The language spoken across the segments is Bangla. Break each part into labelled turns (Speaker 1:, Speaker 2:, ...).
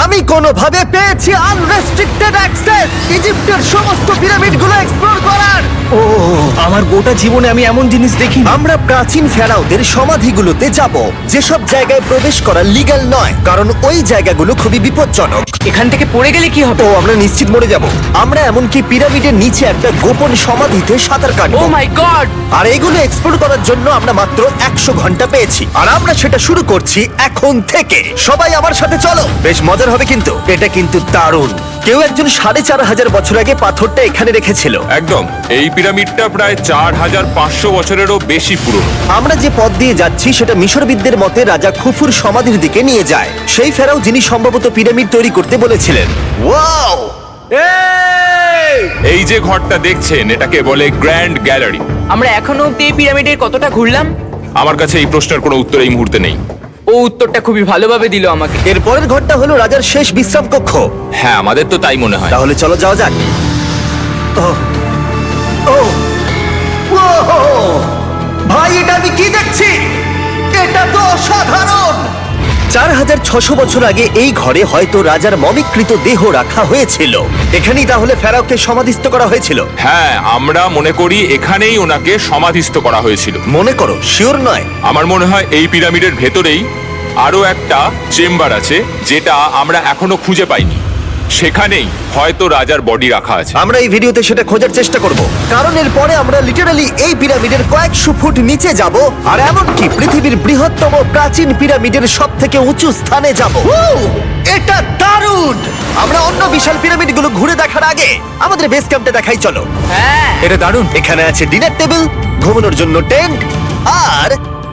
Speaker 1: আমি কোনোভাবে পেয়েছি আনরেস্ট্রিক্টেড অ্যাক্সেস ইজিপ্টের সমস্ত পিরামিডগুলো এক্সপ্লোর করার।
Speaker 2: ও আমার গোটা জীবনে আমি এমন জিনিস দেখিনি।
Speaker 1: আমরা প্রাচীন ফেরাওদের সমাধিগুলোতে যাব, যেসব জায়গায় প্রবেশ করা লিগ্যাল নয়, কারণ ওই জায়গাগুলো খুবই বিপজ্জনক।
Speaker 3: এখান থেকে পড়ে গেলে কি হবে?
Speaker 1: তো আমরা নিশ্চিত মরে যাব। আমরা এমনকি পিরামিডের নিচে একটা গোপন সমাধিতে সাঁতার
Speaker 3: ও
Speaker 1: কাটবো।
Speaker 3: মাই গড!
Speaker 1: আর এগুলো এক্সপ্লোর করার জন্য আমরা মাত্র 100 ঘন্টা পেয়েছি, আর আমরা সেটা শুরু করছি এখন থেকে। সবাই আমার সাথে চলো, বেশ মজার হবে কিন্তু। এটা কিন্তু দারুণ। কেউ একজন 4500 বছর আগে পাথরটা এখানে রেখেছিল।
Speaker 4: একদম, এই পিরামিডটা প্রায় 4500 বছরেরও বেশি পুরনো।
Speaker 1: আমরা যে পথ দিয়ে যাচ্ছি সেটা মিশরবিদদের মতে রাজা খুফুর সমাধির দিকে নিয়ে যায়, সেই ফেরাও যিনি সম্ভবত পিরামিড তৈরি করতে বলেছিলেন। ওয়াও!
Speaker 4: এই যে ঘরটা দেখছেন, এটাকে বলে গ্র্যান্ড গ্যালারি।
Speaker 3: আমরা এখনো অব্দি এই পিরামিডের কতটা ঘুরলাম?
Speaker 4: আমার কাছে এই প্রশ্নের কোনো উত্তর এই মুহূর্তে নেই।
Speaker 3: ও উত্তরটা খুবই ভালোভাবে দিল আমাকে।
Speaker 1: এর পরের ঘরটা হলো রাজার শেষ বিশ্রাম কক্ষ।
Speaker 4: হ্যাঁ, আমাদের তো তাই মনে হয়।
Speaker 1: তাহলে চলো যাওয়া যাক। ওহ, ওহ, ওহ! ভাই, এটা আমি কি দেখছি? এটা তো অসাধারণ। 4600 বছর আগে এই ঘরে হয়তো রাজার মমিকৃত দেহ রাখা হয়েছিল। এখানেই তাহলে ফেরাওকে সমাধিস্থ করা হয়েছিল।
Speaker 4: হ্যাঁ, আমরা মনে করি এখানেই ওনাকে সমাধিস্থ করা হয়েছিল।
Speaker 1: মনে করো, শিওর নয়।
Speaker 4: আমার মনে হয় এই পিরামিডের ভেতরেই আরো একটা চেম্বার আছে, যেটা আমরা এখনো খুঁজে পাইনি। সেখানেই হয়তো রাজার বডি রাখা আছে।
Speaker 1: আমরা এই ভিডিওতে সেটা খোঁজার চেষ্টা করব, কারণ এর পরে আমরা লিটারালি এই পিরামিডের কয়েকশো ফুট নিচে যাব, আর এমনকি পৃথিবীর বৃহত্তম প্রাচীন পিরামিডের সব থেকে উঁচু স্থানে যাব। এটা দারুণ! আমরা অন্য বিশাল পিরামিডগুলো ঘুরে দেখার আগে আমাদের বেস ক্যাম্পটা দেখাই চলো।
Speaker 3: হ্যাঁ,
Speaker 2: এটা দারুণ।
Speaker 1: এখানে আছে ডিনার টেবিল, ঘুমানোর জন্য টেন্ট, আর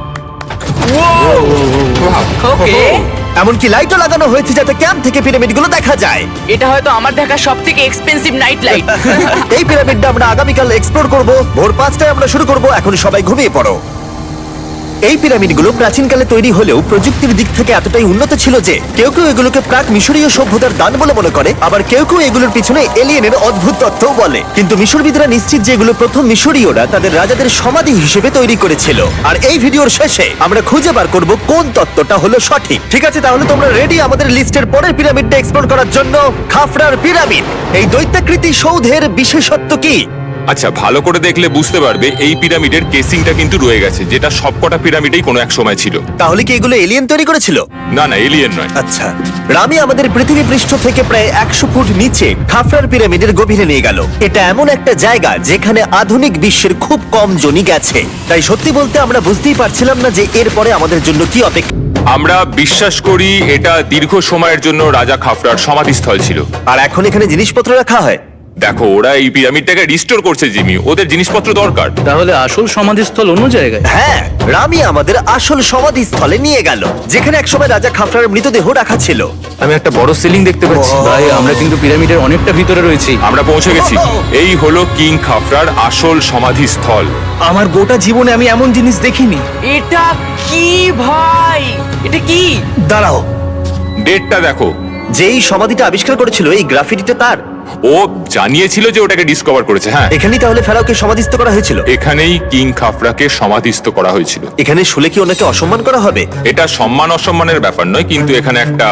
Speaker 3: ওকে।
Speaker 1: এমনকি লাইটও লাগানো হয়েছে যাতে ক্যাম্প থেকে পিরামিডগুলো দেখা যায়।
Speaker 3: এটা হয়তো আমার দেখা সবথেকে এক্সপেন্সিভ নাইট লাইট।
Speaker 1: এই পিরামিডটা আমরা আগামীকাল এক্সপ্লোর করব। ভোর 5টায় আমরা শুরু করব। এখন সবাই ঘুমিয়ে পড়ো। এই পিরামিডগুলো প্রাচীনকালে তৈরি হলেও প্রযুক্তির দিক থেকে এতটাই উন্নত ছিল যে কেউ কেউ এগুলোকে প্রাক মিশরীয় সভ্যতার দান বলে মনে করে, আবার কেউ কেউ এগুলোর পিছনে এলিয়েনের অদ্ভুত তত্ত্বও বলে। কিন্তু মিশরবিদরা নিশ্চিত যে এগুলো প্রথম মিশরীয়রা তাদের রাজাদের সমাধি হিসেবে তৈরি করেছিল। আর এই ভিডিওর শেষে আমরা খুঁজে বার করব কোন তত্ত্বটা হলো সঠিক। ঠিক আছে, তাহলে তোমরা রেডি আমাদের লিস্টের পরের পিরামিডটা এক্সপ্লোর করার জন্য? খাফরার পিরামিড। এই দৈত্যাকৃতি সৌধের বিশেষত্ব কি?
Speaker 4: আচ্ছা, ভালো করে দেখলে বুঝতে পারবে এই পিরামিডের কেসিংটা কিন্তু রয়ে গেছে, যেটা সবকটা পিরামিডেই কোনো এক সময় ছিল।
Speaker 1: তাহলে কি এগুলো এলিয়েন তৈরি করেছিল?
Speaker 4: না না, এলিয়েন নয়।
Speaker 1: আচ্ছা, রামি আমাদের পৃথিবী পৃষ্ঠ থেকে প্রায় 100 ফুট নিচে খাফরার পিরামিডের গভীরে নিয়ে গেল। এটা এমন একটা জায়গা যেখানে আধুনিক বিশ্বের খুব কম জনই গেছে। তাই সত্যি বলতে আমরা বুঝতেই পারছিলাম না যে এরপরে আমাদের জন্য কি অপেক্ষা।
Speaker 4: আমরা বিশ্বাস করি এটা দীর্ঘ সময়ের জন্য রাজা খাফরার সমাধিস্থল ছিল।
Speaker 1: আর এখন এখানে জিনিসপত্র রাখা হয়।
Speaker 4: দেখো, ওরা এই পিরামিডটাকে রিস্টোর করছে জিমি, ওদের জিনিসপত্র দরকার।
Speaker 2: তাহলে আসল সমাধিস্থল অন্য জায়গায়?
Speaker 1: হ্যাঁ, রামি আমাদের আসল সমাধিস্থলে নিয়ে গেল, যেখানে একসময় রাজা খাফরার মৃতদেহ রাখা ছিল।
Speaker 2: আমি একটা বড় সিলিং দেখতে পাচ্ছি।
Speaker 1: ও।
Speaker 2: ভাই, আমরা কিন্তু পিরামিডের অনেকটা ভিতরে রয়েছি।
Speaker 4: আমরা পৌঁছে গেছি। এই হলো কিং খাফরার আসল সমাধিস্থল।
Speaker 2: আমার গোটা জীবনে আমি এমন জিনিস দেখিনি।
Speaker 3: এটা কি ভাই? এটা কি?
Speaker 1: দাঁড়াও,
Speaker 4: ডেটটা দেখো।
Speaker 1: যেই সমাধিটা আবিষ্কার করেছিল এই গ্রাফিটিটা তার।
Speaker 4: ও জানিয়েছিল যে ওটাকে ডিসকভার করেছে। হ্যাঁ,
Speaker 1: এখানেই তাহলে ফেরাওকে সমাধিস্থ করা হয়েছিল।
Speaker 4: এখানেই কিং খাফরাকে সমাধিস্থ করা হয়েছিল।
Speaker 1: এখানে শুলে কি ওনাকে অসম্মান করা হবে?
Speaker 4: এটা সম্মান অসম্মানের ব্যাপার নয়, কিন্তু এখানে একটা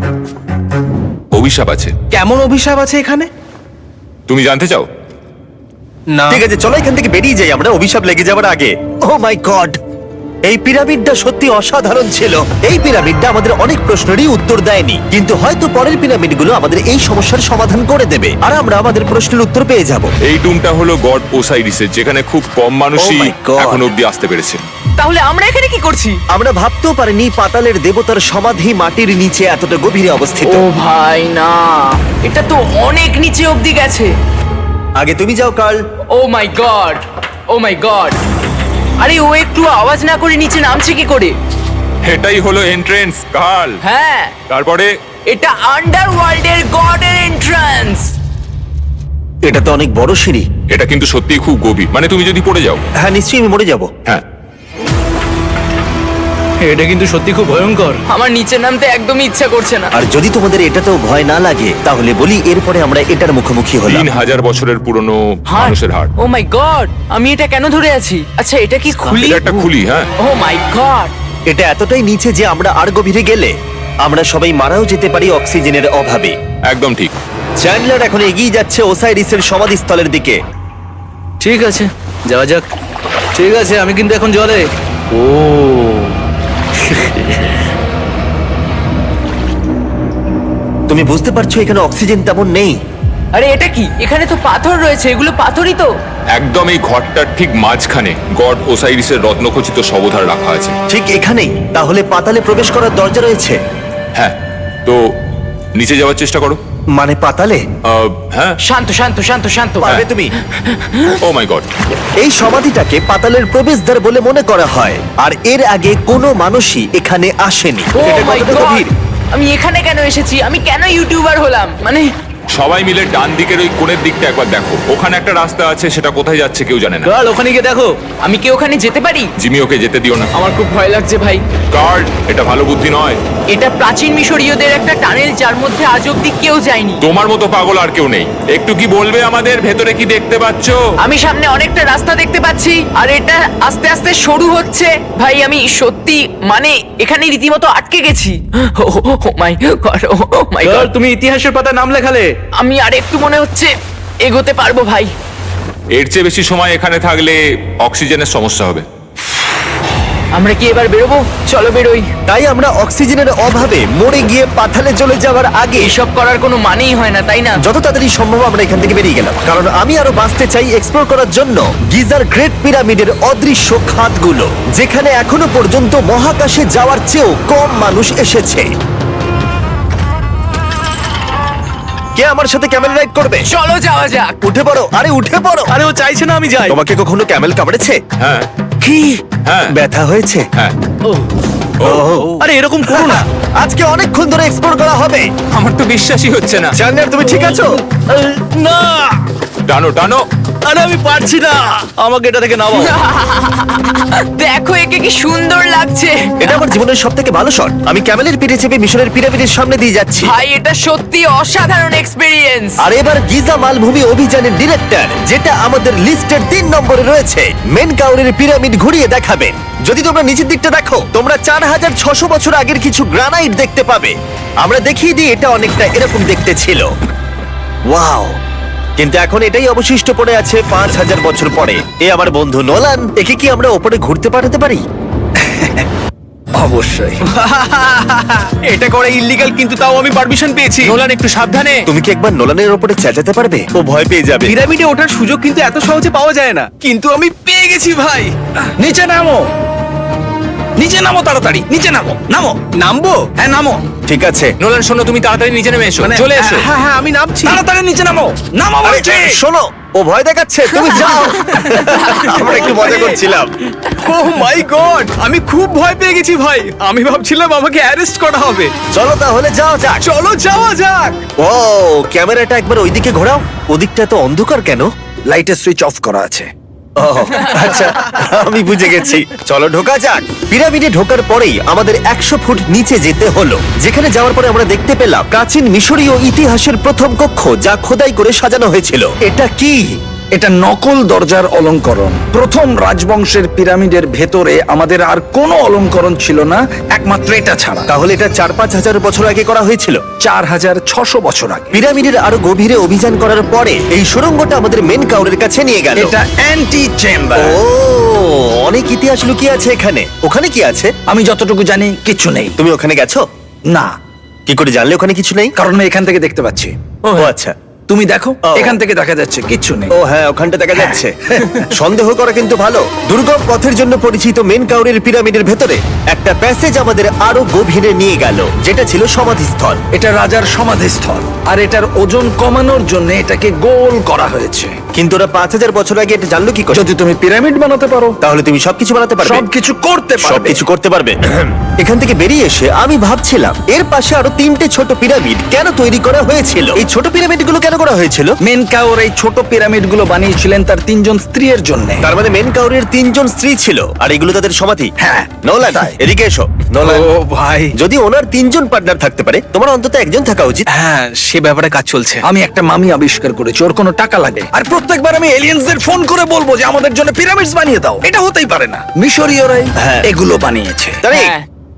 Speaker 4: অভিশাপ আছে।
Speaker 2: কেমন অভিশাপ আছে এখানে?
Speaker 4: তুমি জানতে চাও?
Speaker 2: না।
Speaker 1: ঠিক আছে, চলো এখান থেকে বেরিয়ে যাই আমরা অভিশাপ লেগে যাওয়ার আগে। ও মাই গড, এই পিরামিডটা সত্যি অসাধারণ ছিল। এই পিরামিডটা আমাদের অনেক প্রশ্নেরই উত্তর দেয়নি, কিন্তু হয়তো পরের পিরামিডগুলো আমাদের এই সমস্যার সমাধান করে দেবে, আর আমরা আমাদের প্রশ্নের উত্তর পেয়ে যাব।
Speaker 4: এই টুমটা হলো গড ওসাইরিসের, যেখানে খুব কম মানুষই
Speaker 1: Oh my God!
Speaker 4: এখন অব্দি আসতে পেরেছে।
Speaker 3: তাহলে আমরা এখানে কি করছি?
Speaker 1: আমরা ভাবতেও পারিনি পাতালের দেবতার সমাধি মাটির নিচে এতটা গভীরে অবস্থিত।
Speaker 3: ও ভাই না, এটা তো অনেক নিচে অব্দি গেছে।
Speaker 1: আগে তুমি যাও Karl.
Speaker 3: Oh my god, oh my god! আরে ও একটু আওয়াজ না করে নিচে নামছে কি করে?
Speaker 4: এটাই হলো এন্ট্রেন্স, কার্ল।
Speaker 3: হ্যাঁ,
Speaker 4: তারপরে
Speaker 3: এটা আন্ডারওয়ার্ল্ডের গডের এন্ট্রান্স।
Speaker 1: এটা তো অনেক বড় সিঁড়ি।
Speaker 4: এটা কিন্তু সত্যিই খুব গভীর, মানে তুমি যদি পড়ে যাও।
Speaker 1: হ্যাঁ, নিশ্চয়ই আমি মরে যাব।
Speaker 4: হ্যাঁ,
Speaker 2: এটা কিন্তু সত্যি খুব ভয়ঙ্কর।
Speaker 3: আমার নিচে নামতে একদমই ইচ্ছা করছে না।
Speaker 1: আর যদি তোমাদের এটাতেও ভয় না লাগে তাহলে বলি এরপরে আমরা এটার মুখোমুখি হলাম।
Speaker 4: 3000 বছরের পুরনো মানুষের হাড়।
Speaker 3: ও মাই গড, আমি এটা কেন ধরে আছি? আচ্ছা, এটা কি খুলি?
Speaker 4: এটা একটা খুলি। হ্যাঁ,
Speaker 3: ও মাই গড!
Speaker 1: এটা এতটাই নিচে যে আমরা আর গভীরে গেলে আমরা সবাই মারাও যেতে পারি অক্সিজেনের অভাবে।
Speaker 4: একদম ঠিক।
Speaker 1: চ্যান্ডলার এখন এগিয়ে যাচ্ছে ওসাইরিসের সমাধিস্থলের দিকে।
Speaker 2: ঠিক আছে, যাওয়া যাক। ঠিক আছে, আমি কিন্তু এখন জলে। ও
Speaker 1: তুমি বুঝতে পারছো এখানে অক্সিজেন তেমন নেই।
Speaker 3: আরে এটা কি? এখানে তো পাথর রয়েছে, এগুলো পাথরই তো।
Speaker 4: একদম এই ঘরটার ঠিক মাঝখানে গড ওসাইরিসের রত্নখচিত শবধার রাখা আছে।
Speaker 1: ঠিক এখানেই? তাহলে পাতালে প্রবেশ করার দরজা রয়েছে?
Speaker 4: হ্যাঁ, তো নিচে যাওয়ার চেষ্টা করো।
Speaker 1: মানে পাতালে?
Speaker 4: হ্যাঁ।
Speaker 3: শান্ত শান্ত শান্ত শান্ত।
Speaker 1: পারবে তুমি?
Speaker 4: Oh my god.
Speaker 1: এই সমাধিটাকে পাতালের প্রবেশদ্বার বলে মনে করা হয়, আর এর আগে কোনো মানুষই এখানে আসেনি।
Speaker 3: Oh
Speaker 1: এটা
Speaker 3: my
Speaker 1: কতটা
Speaker 3: God!
Speaker 1: গভীর?
Speaker 3: আমি এখানে কেন এসেছি? আমি কেন ইউটিউবার হলাম? মানে
Speaker 4: সবাই মিলে ডান দিকের ওই কোণের দিকটা একবার দেখো। ওখানে একটা রাস্তা আছে, সেটা কোথায় যাচ্ছে কেউ জানে না।
Speaker 2: গার্ল, ওখানে গিয়ে দেখো।
Speaker 3: আমি কি ওখানে যেতে পারি?
Speaker 4: জিমি, ওকে যেতে দিও না।
Speaker 3: আমার খুব ভয় লাগছে ভাই।
Speaker 4: গার্ড, এটা ভালো বুদ্ধি নয়।
Speaker 3: এটা প্রাচীন মিশরীয়দের একটা টানেল, যার মধ্যে আজ অব্দি কেউ যায়নি।
Speaker 4: তোমার মতো পাগল আর কেউ নেই। একটু কি বলবে আমাদের ভেতরে কি দেখতে পাচ্ছো?
Speaker 3: আমি সামনে অনেকটা রাস্তা দেখতে পাচ্ছি, আর এটা আস্তে আস্তে সরু হচ্ছে। ভাই আমি সত্যি মানে এখানে রীতিমতো আটকে গেছি। Oh my god, oh my
Speaker 2: girl,
Speaker 3: god.
Speaker 2: তুমি ইতিহাসের পাতায় নাম লেখালে।
Speaker 3: আমি আর একটু মনে হচ্ছে এগোতে পারবো ভাই।
Speaker 4: এর চেয়ে বেশি সময় এখানে থাকলে অক্সিজেনের সমস্যা হবে।
Speaker 3: আমরা কি এবার বেরোবো? চলো বেরোই।
Speaker 1: তাই আমরা অক্সিজেনের অভাবে মরে গিয়ে পাতালে চলে যাওয়ার আগে
Speaker 3: এসব করার কোনো মানেই হয় না, তাই না?
Speaker 1: যত তাড়াতাড়ি সম্ভব আমরা এখান থেকে বেরিয়ে গেলাম, কারণ আমি আরো বাঁচতে চাই এক্সপ্লোর করার জন্য গিজার গ্রেট পিরামিডের অদৃশ্য খাতগুলো, যেখানে এখনো পর্যন্ত মহাকাশে যাওয়ার চেয়েও কম মানুষ এসেছে। কে আমার সাথে ক্যামেল রাইড করবে?
Speaker 3: চলো যাওয়া যাক।
Speaker 1: উঠে পড়ো, আরে উঠে পড়ো।
Speaker 2: আরে ও চাইছে না আমি যাই।
Speaker 1: তোমাকে কখনো ক্যামেল কামড়েছে?
Speaker 4: হ্যাঁ
Speaker 1: কি?
Speaker 4: হ্যাঁ
Speaker 1: ব্যথা হয়েছে?
Speaker 4: হ্যাঁ।
Speaker 2: আরে এরকম করো না।
Speaker 1: আজকে অনেকক্ষণ ধরে এক্সপ্লোর করা হবে।
Speaker 4: আমার তো বিশ্বাসই হচ্ছে না।
Speaker 1: জানলার তুমি ঠিক আছো?
Speaker 2: না,
Speaker 4: টানো টানো।
Speaker 2: আরে আমি পারছি না, আমাকে এটা থেকে নামাও।
Speaker 3: দেখো একে কি সুন্দর লাগছে।
Speaker 1: এটা আমার জীবনের সব থেকে ভালো শট। আমি ক্যামেলের পিঠে চেপে মিশরের পিরামিডের সামনে দিয়ে যাচ্ছি।
Speaker 3: ভাই এটা সত্যি অসাধারণ এক্সপেরিয়েন্স।
Speaker 1: আর এবার গিজা মালভূমি অভিযানের ডিরেক্টর, যেটা আমাদের লিস্টের 3 নম্বরে রয়েছে, মেনকাউরের পিরামিড ঘুরিয়ে দেখাবেন। যদি তোমরা নিচের দিকটা দেখো, তোমরা 4600 বছর আগের কিছু গ্রানাইট দেখতে পাবে। আমরা দেখিয়ে দিই, এটা অনেকটা এরকম দেখতে ছিল। ওয়াও! কিন্তু এখন এটাই অবশিষ্ট পড়ে আছে 5000 বছর পরে। এ আমার বন্ধু নোলান, একে কি আমরা ওপরে ঘুরতে পাঠাতে পারি?
Speaker 2: অবশ্যই। এটা করা ইল্লিগাল, কিন্তু তাও আমি পারমিশন পেয়েছি।
Speaker 3: নোলান একটু সাবধানে।
Speaker 1: তুমি কি একবার নোলানের ওপরে চেঁচাতে পারবে? ও ভয় পেয়ে যাবে।
Speaker 2: পিরামিডে ওঠার সুযোগ কিন্তু এত সহজে পাওয়া যায় না, কিন্তু আমি পেয়ে গেছি ভাই। নিচে নামো, নিচে নামো, তাড়াতাড়ি নিচে নামো। নামো। নামবো? হ্যাঁ নামো।
Speaker 1: ঠিক আছে।
Speaker 3: নোলান শোনো, তুমি তাড়াতাড়ি নিচে নেমে এসো। চলে এসো।
Speaker 2: হ্যাঁ হ্যাঁ, আমি নামছি। তাড়াতাড়ি নিচে নামো। নামো
Speaker 1: আরে,
Speaker 2: বলছি।
Speaker 1: শোনো, ও ভয় দেখাচ্ছে, তুমি যাও। আমরা একটু মজা করছিলাম।
Speaker 2: ও মাই গড, আমি খুব ভয় পেয়ে গেছি ভাই। আমি ভাবছিলাম আমাকে অ্যারেস্ট করা হবে।
Speaker 1: চলো তাহলে যাও যাক।
Speaker 2: চলো যাওয়া যাক।
Speaker 1: ও, ক্যামেরাটা একবার ওইদিকে ঘোরাও। ওদিকটা তো অন্ধকার কেন?
Speaker 5: লাইটের সুইচ অফ করা আছে।
Speaker 1: ও, আচ্ছা, আমি বুঝে গেছি। চলো ঢোকা যাক। পিরামিডে ঢোকার পরেই আমাদের 100 ফুট নিচে যেতে হলো, যেখানে যাওয়ার পরে আমরা দেখতে পেলাম প্রাচীন মিশরীয় ইতিহাসের প্রথম কক্ষ, যা খোদাই করে সাজানো হয়েছিল। এটা কি?
Speaker 5: এটা নকল দরজার অলঙ্করণ। প্রথম রাজবংশের পিরামিডের ভেতরে আমাদের আর কোনো অলঙ্করণ ছিল না, একমাত্র এটা ছাড়া।
Speaker 1: তাহলে এটা 4-5 হাজার বছর আগে করা হয়েছিল।
Speaker 5: 4600 বছর আগে।
Speaker 1: পিরামিডের আরো গভীরে অভিযান করার পরে এই সুড়ঙ্গটা আমাদের মেন কাউরের কাছে নিয়ে গেল।
Speaker 5: এটা অ্যান্টি চেম্বার।
Speaker 1: ও, অনেক ইতিহাস লুকিয়ে আছে এখানে। ওখানে কি আছে?
Speaker 5: আমি যতটুকু জানি কিছু নেই।
Speaker 1: তুমি ওখানে গেছো?
Speaker 5: না,
Speaker 1: কি করে জানলে ওখানে কিছু নেই?
Speaker 5: কারণ আমি এখান থেকে দেখতে পাচ্ছি।
Speaker 1: ও আচ্ছা।
Speaker 5: তুমি দেখো,
Speaker 1: ও।
Speaker 5: এখান থেকে দেখা যাচ্ছে কিচ্ছু নেই।
Speaker 1: ও হ্যাঁ, ওখানটা দেখা যাচ্ছে। সন্দেহ করা কিন্তু ভালো। দুর্গম পথের জন্য পরিচিত মেন কাউরের পিরামিডের ভেতরে একটা প্যাসেজ আমাদের আরো গভীরে নিয়ে গেল, যেটা ছিল সমাধিস্থল।
Speaker 5: এটা রাজার সমাধিস্থল, আর এটার ওজন কমানোর জন্য এটাকে গোল করা হয়েছে।
Speaker 1: কিন্তু ওরা 5000 বছর আগে এটা জানলো কি করে?
Speaker 5: যদি তুমি পিরামিড বানাতে পারো,
Speaker 1: তাহলে তুমি সবকিছু বানাতে পারবে।
Speaker 5: সবকিছু করতে পারবে।
Speaker 1: সবকিছু করতে পারবে। এখান থেকে বেরিয়ে এসে আমি ভাবছিলাম, এর পাশে আরো 3টে ছোট পিরামিড কেন তৈরি করা হয়েছিল? এই ছোট পিরামিডগুলো কেন করা হয়েছিল?
Speaker 5: মেনকাওর এই ছোট পিরামিডগুলো বানিয়েছিলেন তার 3 জন স্ত্রীর জন্য।
Speaker 1: তার মানে মেন কাউরের 3 জন স্ত্রী ছিল, আর এগুলো তাদের সমাধি।
Speaker 5: হ্যাঁ,
Speaker 1: নোলান,
Speaker 5: তাই।
Speaker 1: এদিকে এসো। নোলান,
Speaker 2: ও ভাই,
Speaker 1: যদি ওনার 3 জন পার্টনার থাকতে পারে, তোমার অন্তত একজন থাকা উচিত।
Speaker 2: হ্যাঁ সে ব্যাপারে কাজ চলছে।
Speaker 5: আমি একটা মামি আবিষ্কার করেছি, ওর কোনো টাকা লাগে, আর প্রত্যেকবার আমি এলিয়েন্সদের ফোন করে বলবো যে আমাদের জন্য পিরামিডস বানিয়ে দাও। এটা হতেই পারে না, মিশরীয়রাই
Speaker 1: হ্যাঁ।
Speaker 5: এগুলো বানিয়েছে।
Speaker 1: তারিক,
Speaker 3: হ্যাঁ।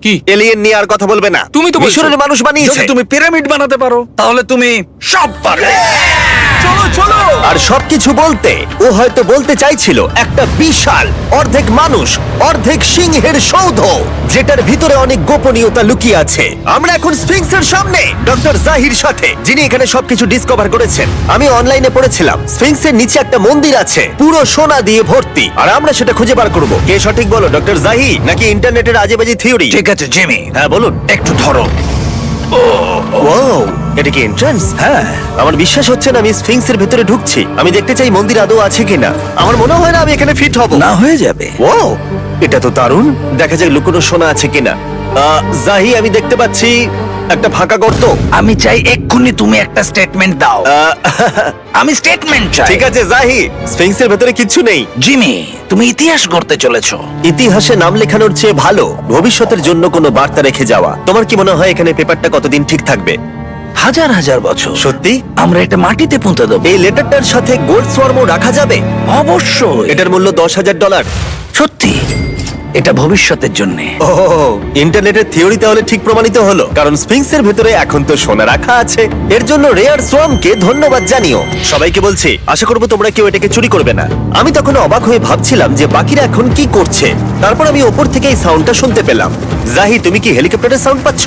Speaker 4: কি?
Speaker 1: এলিয়েন নিয়ে আর কথা বলবে না।
Speaker 4: তুমি তো বলছো।
Speaker 1: মিশরের মানুষ বানিয়েছে।
Speaker 5: যদি তুমি পিরামিড বানাতে পারো তাহলে তুমি সব পারবে।
Speaker 2: চলো চলো।
Speaker 1: আর সবকিছু বলতে ও হয়তো বলতে চাইছিল একটা বিশাল অর্ধেক মানুষ অর্ধেক সিংহের সৌধ, যেটার ভিতরে অনেক গোপনীয়তা লুকিয়ে আছে। আমরা এখন স্ফিংসের সামনে ডক্টর জাহির সাথে, যিনি এখানে সবকিছু ডিসকভার করেছেন। আমি অনলাইনে পড়েছিলাম স্ফিংসের নিচে একটা মন্দির আছে পুরো সোনা দিয়ে ভর্তি, আর আমরা সেটা খুঁজে বার করব। কে সঠিক বলো, ডক্টর জাহি নাকি ইন্টারনেটের আজেবাজি থিওরি?
Speaker 5: ঠিক আছে জিমি,
Speaker 1: হ্যাঁ বলুন।
Speaker 5: একটু ধরো।
Speaker 1: ও, এটা কি এন্ট্রান্স?
Speaker 5: হ্যাঁ,
Speaker 1: আমার বিশ্বাস হচ্ছে না আমি স্ফিংসের ভেতরে ঢুকছি। আমি দেখতে চাই মন্দির আদৌ আছে কিনা। আমার মনে হয় না আমি এখানে ফিট হব।
Speaker 5: না হয়ে যাবে।
Speaker 1: ও, এটা তো দারুণ। দেখা যাক লুকোনো সোনা আছে কিনা। জাহি, আমি দেখতে পাচ্ছি একটা ফাঁকা গর্ত।
Speaker 5: আমি চাই এক্ষুনি তুমি একটা স্টেটমেন্ট দাও। আমি স্টেটমেন্ট চাই।
Speaker 1: ঠিক আছে জাহি, স্ফিংসের ভেতরে কিচ্ছু নেই।
Speaker 5: জিমি, তুমি ইতিহাস গড়তে চলেছো।
Speaker 1: ইতিহাসে নাম লেখানোর চেয়ে ভালো ভবিষ্যতের জন্য কোনো বার্তা রেখে যাওয়া। তোমার কি মনে হয় এখানে পেপারটা কতদিন ঠিক থাকবে?
Speaker 5: হাজার হাজার বছর।
Speaker 1: সত্যি?
Speaker 5: আমরা এটা মাটিতে পুঁতে দেবো।
Speaker 1: এই লেটারটার সাথে গোল্ড সোয়ার্মও রাখা যাবে?
Speaker 5: অবশ্যই।
Speaker 1: এটার মূল্য $10,000।
Speaker 5: সত্যি, এটা ভবিষ্যতের জন্য।
Speaker 1: ও, ইন্টারনেটের থিওরি তাহলে ঠিক প্রমাণিত হলো, কারণ স্ফিংসের ভেতরে এখন তো সোনা রাখা আছে। এর জন্য রেয়ার সোয়ামকে ধন্যবাদ জানিও। সবাইকে বলছি, আশা করবো তোমরা কেউ এটাকে চুরি করবে না। আমি তখন অবাক হয়ে ভাবছিলাম যে বাকিরা এখন কি করছে। তারপর আমি ওপর থেকে এই সাউন্ডটা শুনতে পেলাম। জাহি, তুমি কি হেলিকপ্টারের সাউন্ড পাচ্ছ?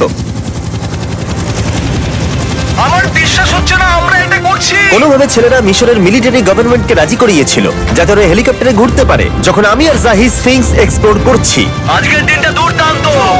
Speaker 2: আমার বিশ্বাস হচ্ছে না আমরা এটা করছি।
Speaker 1: কোনোভাবে ছেলেরা মিশরের মিলিটারি গভর্নমেন্টকে রাজি করিয়েছিল যাতে ওরা হেলিকপ্টারে ঘুরতে পারে যখন আমি আর জাহি স্ফিংস এক্সপ্লোর করছি।
Speaker 2: আজকের দিনটা দুর্দান্ত।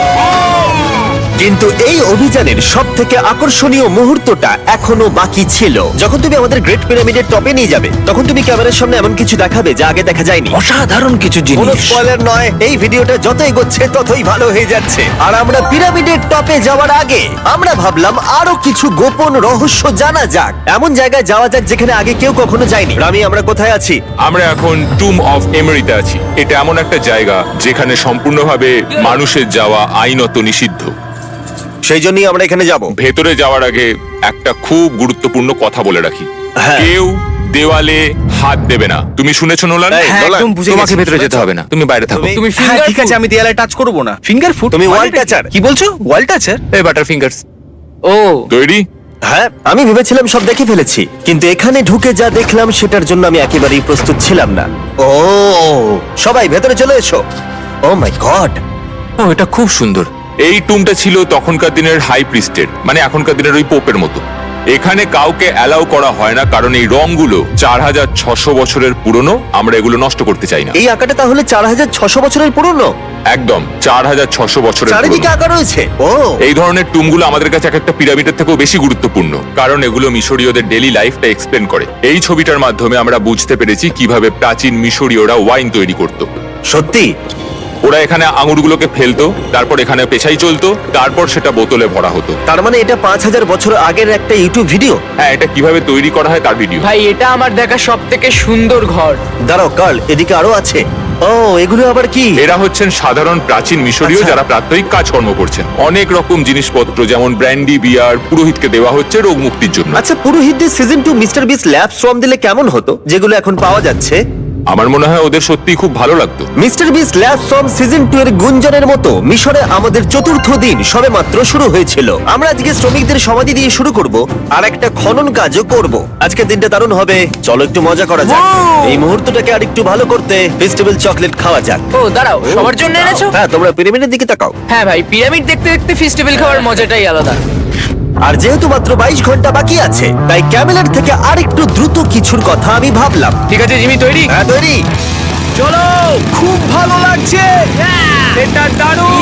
Speaker 1: কিন্তু এই অভিযানের সব থেকে আকর্ষণীয় মুহূর্তটা এখনো বাকি ছিল। যখন তুমি আমাদের গ্রেট পিরামিডের টপে নিয়ে যাবে তখন তুমি ক্যামেরার সামনে এমন কিছু দেখাবে যা আগে দেখা যায়নি।
Speaker 5: অসাধারণ কিছু
Speaker 1: কোনো
Speaker 5: জিনিস।
Speaker 1: স্পয়লার নয়, এই ভিডিওটা যত এগোচ্ছে ততই ভালো হয়ে যাচ্ছে। আর আমরা পিরামিডের টপে যাওয়ার আগে আমরা ভাবলাম আরো কিছু গোপন রহস্য জানা যাক। এমন জায়গায় যাওয়া যাক যেখানে আগে কেউ কখনো যায়নি। রামি, আমরা কোথায় আছি?
Speaker 4: আমরা এখন টুম অফ এমেরিতে আছি। এটা এমন একটা জায়গা যেখানে সম্পূর্ণভাবে মানুষের যাওয়া আইনত নিষিদ্ধ।
Speaker 1: সেই জন্যই আমরা এখানে যাব।
Speaker 4: ভেতরে যাওয়ার আগে একটা খুব গুরুত্বপূর্ণ কথা বলে রাখি,
Speaker 1: হ্যাঁ।
Speaker 4: কেউ দেওয়ালে হাত দেবে না। তুমি শুনেছো নোলান?
Speaker 1: এই,
Speaker 2: হ্যাঁ,
Speaker 1: নোলান,
Speaker 2: একদম বুঝে
Speaker 4: তোমাকে
Speaker 2: গেছি।
Speaker 4: ভেতরে যেতে হবে না, তুমি বাইরে থাকো।
Speaker 1: তুমি-
Speaker 2: তুমি
Speaker 1: হ্যাঁ,
Speaker 2: ফিঙ্গার
Speaker 1: ঠিক
Speaker 2: ঠিক আছে, আমি দেয়ালে টাচ করব না। Finger food?
Speaker 1: তুমি ওয়াল টাচার।
Speaker 2: কি বলছো? ওয়াল টাচার?
Speaker 4: এই বাটার ফিঙ্গারস
Speaker 3: ও
Speaker 4: তৈরি?
Speaker 1: হ্যাঁ, আমি ভেবেছিলাম সব দেখে ফেলেছি, কিন্তু এখানে ঢুকে যা দেখলাম সেটার জন্য আমি একেবারেই প্রস্তুত ছিলাম না। ও, সবাই ভেতরে চলে এসো। ও মাই গড,
Speaker 4: ও, এটা খুব সুন্দর। এই টুমটা ছিল তখনকার দিনের হাই প্রিস্টের, মানে এখনকার দিনের ওই পোপের মতো। এখানে কাউকে অ্যালাউ করা হয় না কারণ এই রংগুলো 4600 বছরের পুরনো। আমরা এগুলো নষ্ট করতে চাই না।
Speaker 1: এই আঁকাটা তাহলে 4600 বছরের পুরনো?
Speaker 4: একদম 4600 বছরের
Speaker 1: চারিদিকে
Speaker 4: পুরনো।
Speaker 1: আঁকা রয়েছে। ও,
Speaker 4: এই ধরনের টুমগুলো আমাদের কাছে এক একটা পিরামিডের থেকেও বেশি গুরুত্বপূর্ণ, কারণ এগুলো মিশরীয়দের ডেইলি লাইফটা এক্সপ্লেন করে। এই ছবিটার মাধ্যমে আমরা বুঝতে পেরেছি কিভাবে প্রাচীন মিশরীয়রা ওয়াইন তৈরি করত।
Speaker 1: সত্যি?
Speaker 4: ওরা এখানে আঙুরগুলোকে ফেলতো, তারপর এখানে পেশাই চলতো, তারপর সেটা বোতলে ভরা হতো।
Speaker 1: তার মানে এটা 5000 বছর আগের একটা ইউটিউব ভিডিও?
Speaker 4: হ্যাঁ, এটা কিভাবে তৈরি করা হয় তার ভিডিও।
Speaker 3: ভাই, এটা আমার দেখা সব থেকে সুন্দর ঘর।
Speaker 1: দাঁড়াও কার্ল, এদিকে আরো আছে। ও, এগুলো আবার কি?
Speaker 4: এরা হচ্ছেন সাধারণ প্রাচীন মিশরীয়
Speaker 1: আচ্ছা।
Speaker 4: যারা প্রাত্যহিক কাজকর্ম করছেন। অনেক রকম জিনিসপত্র যেমন ব্র্যান্ডি, বিয়ার পুরোহিতকে দেওয়া হচ্ছে রোগ মুক্তির জন্য।
Speaker 1: আচ্ছা, পুরোহিতদের সিজন 2 মিস্টার বিস ল্যাব সোয়াম দিলে কেমন হতো, যেগুলো এখন পাওয়া যাচ্ছে?
Speaker 4: আমার মনে হয় ওদের সত্যিই খুব ভালো লাগতো।
Speaker 1: মিস্টার বিস ল্যাব সোয়াম সিজন 2 এর গুঞ্জনের মতো মিশরে আমাদের চতুর্থ দিন সবেমাত্র শুরু হয়েছিল। আমরা আজকে শ্রমিকদের সমাধি দিয়ে শুরু করব আর একটা খনন কাজও করব। আজকের দিনটা দারুণ হবে, চলো একটু মজা করা যাক। এই মুহূর্তটাকে আর একটু ভালো করতে ফেস্টিভ্যাল চকলেট খাওয়া যাক।
Speaker 3: ও দাঁড়াও, সবার জন্য এনেছো?
Speaker 1: হ্যাঁ, তোমরা পিরামিডের দিকে তাকাও।
Speaker 3: হ্যাঁ ভাই, পিরামিড দেখতে দেখতে ফেস্টিভ্যাল খাওয়ার মজাটাই আলাদা।
Speaker 1: আর যেহেতু মাত্র 22 ঘন্টা বাকি আছে তাই ক্যামেলের থেকে আরেকটু দ্রুত কিছুর কথা আমি ভাবলাম।
Speaker 3: ঠিক আছে জিমি, তৈরি?
Speaker 1: হ্যাঁ, তৈরি।
Speaker 2: চলো, খুব ভালো লাগছে। এটা দারুণ।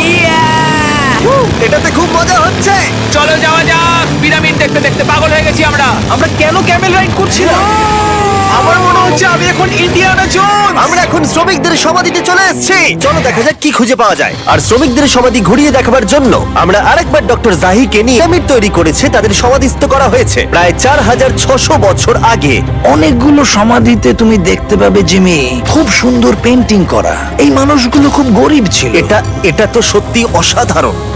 Speaker 1: এটাতে খুব মজা হচ্ছে।
Speaker 3: চলো যাওয়া যাক। পিরামিড দেখতে দেখতে পাগল হয়ে গেছি আমরা।
Speaker 2: আমরা কেন ক্যামেল রাইড করছিলাম? আমার মনে হচ্ছে আমি এখন ইন্ডিয়ানা জোনস।
Speaker 1: আমরা এখন শ্রমিকদের সমাধিতে চলে এসেছি। চলো দেখা যাক কি খুঁজে পাওয়া যায়। আর শ্রমিকদের সমাধি ঘুরিয়ে দেখাবার জন্য আমরা আরেকবার ডক্টর জাহিকে নিয়ে পিরামিড তৈরি করেছে। তাদের সমাধিস্থ করা হয়েছে প্রায় 4600 বছর আগে।
Speaker 5: অনেকগুলো সমাধিতে তুমি দেখতে পাবে জিমি খুব সুন্দর পেন্টিং করা। এই মানুষগুলো খুব গরিব ছিল।
Speaker 1: এটা তো সত্যি অসাধারণ।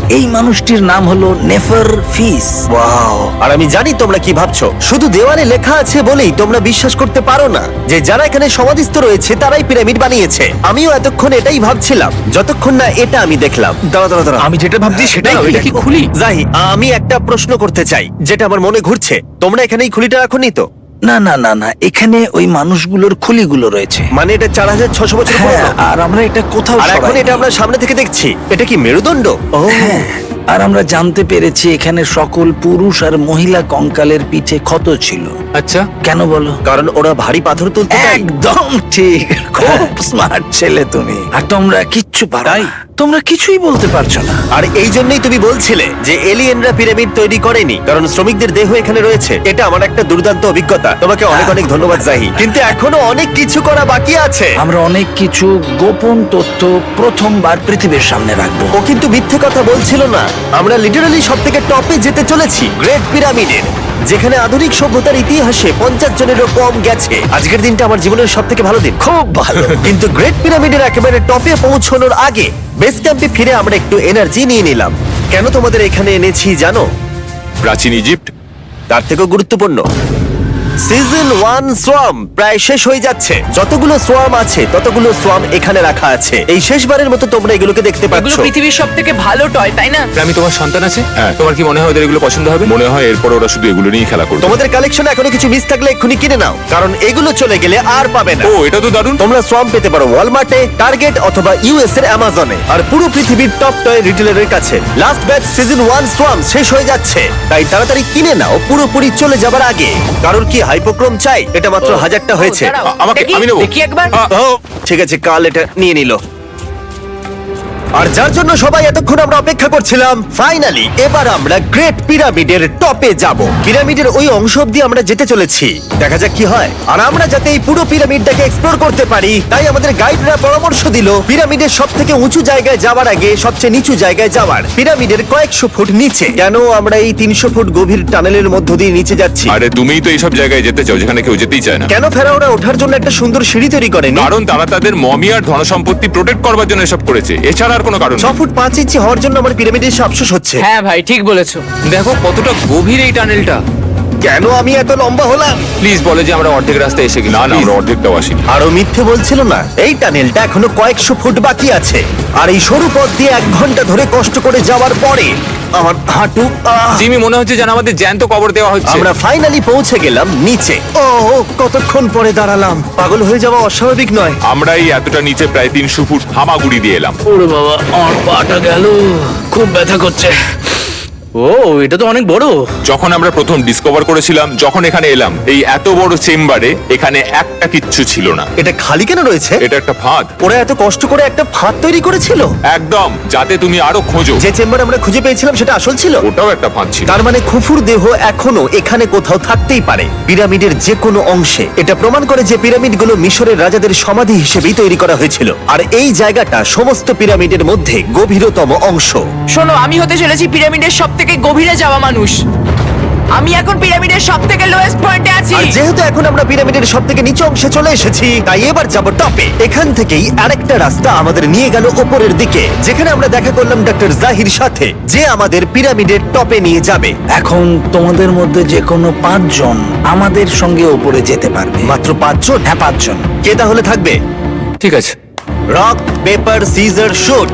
Speaker 5: এই মানুষটির নাম হলো নেফার ফিস।
Speaker 1: ওয়াও! আর আমি জানি তোমরা কি ভাবছো, শুধু দেওয়ালে লেখা আছে বলেই তোমরা বিশ্বাস করতে পারো না যে যারা এখানে সমাধিস্থ রয়েছে তারাই পিরামিড বানিয়েছে। আমিও এতক্ষণ এটাই ভাবছিলাম যতক্ষণ না এটা আমি দেখলাম। দাঁড়া
Speaker 2: আমি যেটা ভাবছি সেটাই
Speaker 3: এটা কি খুলি?
Speaker 1: জাহি, আমি একটা প্রশ্ন করতে চাই যেটা আমার মনে ঘুরছে। তোমরা এখানে এই খুলিটা রাখোনি তো?
Speaker 5: না না না না, এখানে ওই মানুষগুলোর খুলিগুলো রয়েছে।
Speaker 1: মানে এটা 4600 বছর
Speaker 5: হ্যাঁ,
Speaker 1: পুরনো।
Speaker 5: আর আমরা এটা কোথাও
Speaker 1: আর এখন
Speaker 5: সরাইনি।
Speaker 1: এটা আমরা সামনে থেকে দেখছি। এটা কি মেরুদণ্ড? ও
Speaker 5: হ্যাঁ, আর আমরা জানতে পেরেছি এখানে সকল পুরুষ আর মহিলা কঙ্কালের পিঠে ক্ষত ছিল।
Speaker 4: আচ্ছা,
Speaker 5: কেন বলো?
Speaker 1: কারণ ওরা ভারী পাথর তুলতে তাই।
Speaker 5: একদম ঠিক, খুব স্মার্ট ছেলে তুমি। আর তোমরা কিচ্ছু পারো না। তোমরা কিছুই বলতে পারছো না।
Speaker 1: আর এই জন্যই তুমি বলছিলে যে এলিয়েনরা পিরামিড তৈরি করেনি, কারণ শ্রমিকদের দেহ এখানে রয়েছে। এটা আমার একটা দুর্দান্ত অভিজ্ঞতা। তোমাকে অনেক অনেক ধন্যবাদ জাহি। কিন্তু এখনো অনেক কিছু করা বাকি আছে।
Speaker 5: আমরা অনেক কিছু গোপন তথ্য প্রথমবার পৃথিবীর সামনে রাখবো।
Speaker 1: ও কিন্তু মিথ্যে কথা বলছিল না। আমরা লিটারালি সব থেকে টপে যেতে চলেছি, গ্রেট পিরামিডের, যেখানে আধুনিক সভ্যতার ইতিহাসে 50 জনেরও কম গেছে। আজকের দিনটা আমার জীবনের সব থেকে ভালো দিন।
Speaker 5: খুব ভালো।
Speaker 1: কিন্তু গ্রেট পিরামিডের একেবারে টপে পৌঁছানোর আগে বেস ক্যাম্পে ফিরে আমরা একটু এনার্জি নিয়ে নিলাম। কেন তোমাদের এখানে এনেছি জানো?
Speaker 4: প্রাচীন ইজিপ্ট।
Speaker 1: তার থেকেও গুরুত্বপূর্ণ, সিজন 1 সোয়াম প্রায় শেষ হয়ে যাচ্ছে। যতগুলো সোয়াম আছে ততগুলো সোয়াম এখানে রাখা আছে। এই শেষবারের মতো তোমরা এগুলোকে দেখতে
Speaker 3: এগুলো
Speaker 1: পাচ্ছ।
Speaker 3: পৃথিবীর সব থেকে ভালো টয়, তাই না?
Speaker 4: আমি তোমার সন্তান আছে,
Speaker 2: হ্যাঁ।
Speaker 4: তোমার কি মনে হয় ওদের এগুলো পছন্দ হবে? মনে হয় এরপর ওরা শুধু এগুলো নিয়ে খেলা করবে।
Speaker 1: তোমাদের কালেকশনে এখনো কিছু মিস থাকলে এক্ষুনি কিনে নাও, কারণ এগুলো চলে গেলে আর পাবে না।
Speaker 4: ও, এটা তো দারুণ।
Speaker 1: তোমরা সোয়াম পেতে পারো ওয়ালমার্টে, টার্গেট অথবা ইউএস এর অ্যামাজনে, আর পুরো পৃথিবীর টপ টয় রিটেলারের কাছে। লাস্ট ব্যাচ সিজন 1 সোয়াম শেষ হয়ে যাচ্ছে, তাই তাড়াতাড়ি কিনে নাও পুরোপুরি চলে যাবার আগে। কারণ কি হাইপোক্রোম চাই? এটা মাত্র 1000টা হয়েছে।
Speaker 3: ও, দাঁড়াও,
Speaker 4: আমাকে-
Speaker 3: দেখি,
Speaker 4: আমি নেবো।
Speaker 3: দেখি একবার।
Speaker 1: ও ঠিক আছে, কাল এটা নিয়ে নিল। আর যার জন্য সবাই এতক্ষণ আমরা অপেক্ষা করছিলাম, ফাইনালি এবার আমরা গ্রেট পিরামিডের টপে যাব। পিরামিডের ওই অংশ অব্দি আমরা যেতে চলেছি, দেখা যাক কি হয়। আর আমরা যাতে এই পুরো পিরামিডটাকে এক্সপ্লোর করতে পারি, তাই আমাদের গাইডরা পরামর্শ দিল পিরামিডের সব থেকে উঁচু জায়গায় যাওয়ার আগে সবচেয়ে নিচু জায়গায় যাওয়ার, পিরামিডের কয়েকশো ফুট নিচে। কেন আমরা এই 300 ফুট গভীর টানেলের মধ্য দিয়ে নিচে যাচ্ছি?
Speaker 4: আরে তুমিই তো এইসব জায়গায় যেতে চাও যেখানে কেউ যেতেই চায় না।
Speaker 1: কেন ফেরাওরা ওঠার জন্য একটা সুন্দর সিঁড়ি তৈরি করেনি?
Speaker 4: কারণ তারা তাদের মমি আর ধনসম্পত্তি প্রোটেক্ট করবার জন্য এসব করেছে, এছাড়া আর কোনো কারণ
Speaker 1: 6
Speaker 4: নেই।
Speaker 1: ফুট 5 ইঞ্চি হওয়ার জন্য আমার পিরামিডের এসে আফসোস হচ্ছে।
Speaker 3: হ্যাঁ ভাই, ঠিক বলেছো।
Speaker 2: দেখো কতটা গভীর এই টানেলটা।
Speaker 1: কেন আমি এত লম্বা হলাম?
Speaker 2: প্লিজ বলে যে আমরা অর্ধেক রাস্তায় এসে গেছি।
Speaker 4: না না, আমরা অর্ধেকটাও আসিনি।
Speaker 1: আরো মিথ্যে বলছিল না। এই টানেলটা এখনো কয়েকশো ফুট বাকি আছে, আর এই সরু পথ দিয়ে 1 ঘন্টা ধরে কষ্ট করে যাওয়ার পরে আমার হাঁটু
Speaker 2: জিমি, মনে হচ্ছে যেন আমাদের জ্যান্ত কবর দেওয়া হচ্ছে।
Speaker 1: আমরা ফাইনালি পৌঁছে গেলাম নিচে। ও কতক্ষণ পরে দাঁড়ালাম, পাগল হয়ে যাওয়া অস্বাভাবিক নয়।
Speaker 4: আমরা এই এতটা নিচে প্রায় 300 ফুট হামাগুড়ি দিয়ে এলাম।
Speaker 2: ওরে বাবা, আমার পাটা গেল, খুব ব্যথা করছে। ও, এটা তো অনেক বড়।
Speaker 4: যখন আমরা প্রথম ডিসকভার করেছিলাম, যখন এখানে এলাম, এই এত বড় চেম্বারে এখানে একটা কিচ্ছু ছিল না।
Speaker 1: এটা খালি কেন রয়েছে?
Speaker 4: এটা একটা ফাঁদ।
Speaker 1: ওরা এত কষ্ট করে একটা ফাঁদ তৈরি করেছিল,
Speaker 4: একদম, যাতে তুমি আরো খোঁজো।
Speaker 1: যে চেম্বার আমরা খুঁজে পেয়েছিলাম সেটা আসল ছিল।
Speaker 4: ওটাও একটা ফাঁদ ছিল।
Speaker 1: তার মানে খুফুর দেহ এখনো এখানে কোথাও থাকতেই পারে, পিরামিডের যে কোনো অংশে। এটা প্রমাণ করে যে পিরামিডগুলো মিশরের রাজাদের সমাধি হিসেবেই তৈরি করা হয়েছিল, আর এই জায়গাটা সমস্ত পিরামিডের মধ্যে গভীরতম অংশ।
Speaker 3: শোনো, আমি হতে চলেছি পিরামিডের সব থেকে গভীরে যাওয়া মানুষ। আমি এখন পিরামিডের সব থেকে লোয়েস্ট পয়েন্টে আছি।
Speaker 1: আর যেহেতু এখন আমরা পিরামিডের সব থেকে নিচু অংশে চলে এসেছি, তাই এবার যাব টপে। এখান থেকেই আরেকটা রাস্তা আমাদের নিয়ে গেল ওপরের দিকে, যেখানে আমরা দেখা করলাম ডক্টর জাহির সাথে, যে আমাদের পিরামিডের টপে নিয়ে যাবে।
Speaker 5: এখন তোমাদের মধ্যে যে কোনো 5 জন আমাদের সঙ্গে ওপরে যেতে পারবে।
Speaker 1: মাত্র 5 জন?
Speaker 5: হ্যাঁ, 5 জন।
Speaker 1: কে তাহলে থাকবে?
Speaker 2: ঠিক আছে।
Speaker 1: Rock paper scissor shoot.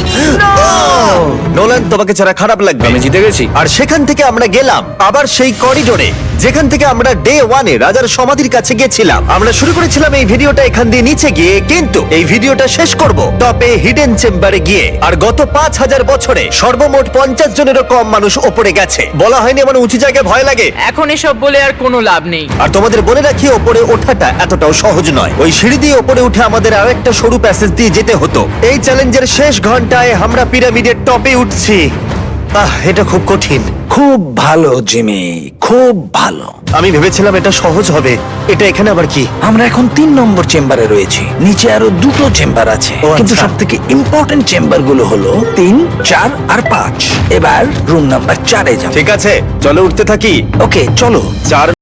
Speaker 1: Nolan, তোমাকে ছাড়া খারাপ লাগবে।
Speaker 2: আমি জিতে গেছি।
Speaker 1: আর সেখান থেকে আমরা গেলাম আবার সেই করিডোরে, যেখান থেকে আমরা ডে 1 এ রাজার সমাধির কাছে গেছিলাম। আমরা শুরু করেছিলাম এই ভিডিওটা এখান দিয়ে নিচে গিয়ে, কিন্তু এই ভিডিওটা শেষ করব টপে হিডেন চেম্বারে গিয়ে। আর গত 5000 বছরে সর্বমোট 50 জনেরও কম মানুষ ওপরে গেছে। বলা হয়নি আমার উঁচু জায়গায় ভয় লাগে।
Speaker 3: এখন এসব বলে আর কোনো লাভ নেই।
Speaker 1: আর তোমাদের বলে রাখি, ওপরে ওঠাটা এতটাও সহজ নয়। ওই সিঁড়ি দিয়ে ওপরে উঠে আমাদের আরেকটা সরু প্যাসেজ দিয়ে যেতে হতো। এই চ্যালেঞ্জের শেষ ঘন্টায় আমরা পিরামিডের টপে উঠছি। এটা খুব কঠিন।
Speaker 5: খুব ভালো জিমি, খুব ভালো।
Speaker 1: আমি ভেবেছিলাম এটা সহজ হবে। এটা এখানে আবার কি?
Speaker 5: আমরা এখন 3 নম্বর চেম্বারে রয়েছি। নিচে আরো 2টো চেম্বার আছে,
Speaker 1: ও,
Speaker 5: কিন্তু
Speaker 1: আচ্ছা।
Speaker 5: সব থেকে ইম্পর্টেন্ট চেম্বার গুলো হলো 3, 4 আর 5। এবার রুম নাম্বার 4-এ যাব।
Speaker 1: ঠিক আছে, চলো উঠতে থাকি।
Speaker 5: ওকে, চলো।
Speaker 1: 4